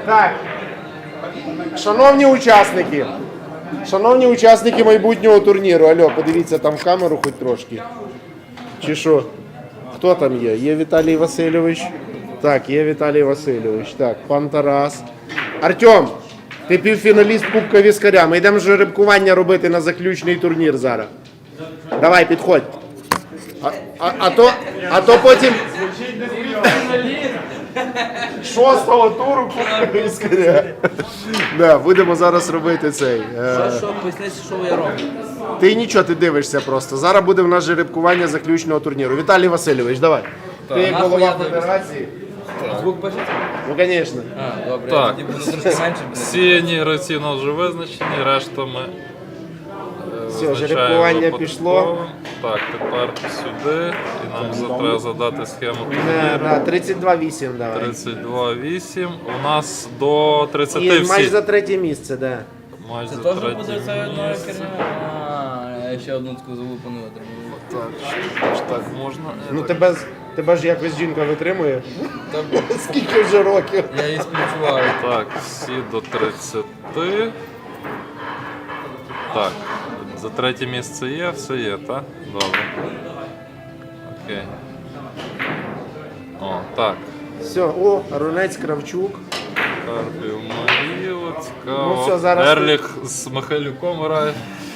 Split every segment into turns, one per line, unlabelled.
Так. Шановні учасники майбутнього турніру. Алло, подивіться там в камеру хоч трошки. Чи що? Хто там є? Є Віталій Васильович. Так, є Віталій Васильович. Так, пан Тарас. Артем, ти півфіналіст Кубка Віскаря. Ми йдемо жеребкування робити на заключний турнір зараз. Давай, підходь. А то потім... Шостого туру Кубка Віскаря. Да, будемо зараз робити цей.
Що, поясніть, що я роблю?
Ти нічого, ти дивишся просто. Зараз буде в нас жеребкування заключного турніру. Віталій Васильович, давай. Ти як голова
Нахуй я
федерації.
Звук пишеться?
Ну, звісно.
А, добре,
Так.
я тоді буду трошки менше.
Всі гравці у нас вже визначені, решта ми
Все, жеребкування пішло.
Так, тепер сюди. І нам треба задати схему
Да, 32-8 давай.
32-8. У нас до 30
І матч
всі.
за третє місце, да.
Матч
Це
за
теж
третє
буде це одна
місце.
херня? А, я ще одну таку залупану отримав.
Так можна.
Ну тебе ж якось жінка витримує.
Та,
Скільки вже років?
я її співчуваю.
Так, всі до 30. Так, за третє місце є, все є, так? Добре. Окей. О, так.
Все, о, Рунець Кравчук.
Карпів Маріло, цікаво.
Ну все, зараз-
Ерліх з Михайлюком грає.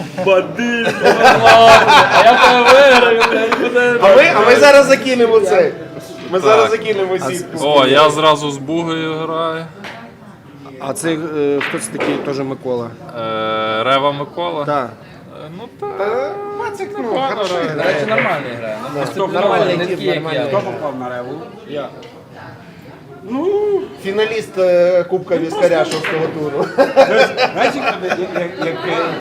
А я тебе виграю, блядь,
А ми зараз закинемо цей. Ми зараз закинемо сітку.
О, я зразу з Бугою граю.
А це хто це такий теж Микола?
Рева Микола.
Так.
Ну так.
Пацик, ну,
Непогано
хорошо
грає.
До
грає.
речі, нормально грає.
Нормальний
Не
тип,
такий, як
нормальний.
я.
попав на реву? Я.
Фіналіст Кубка Віскаря 6-го туру.
Знаєте, як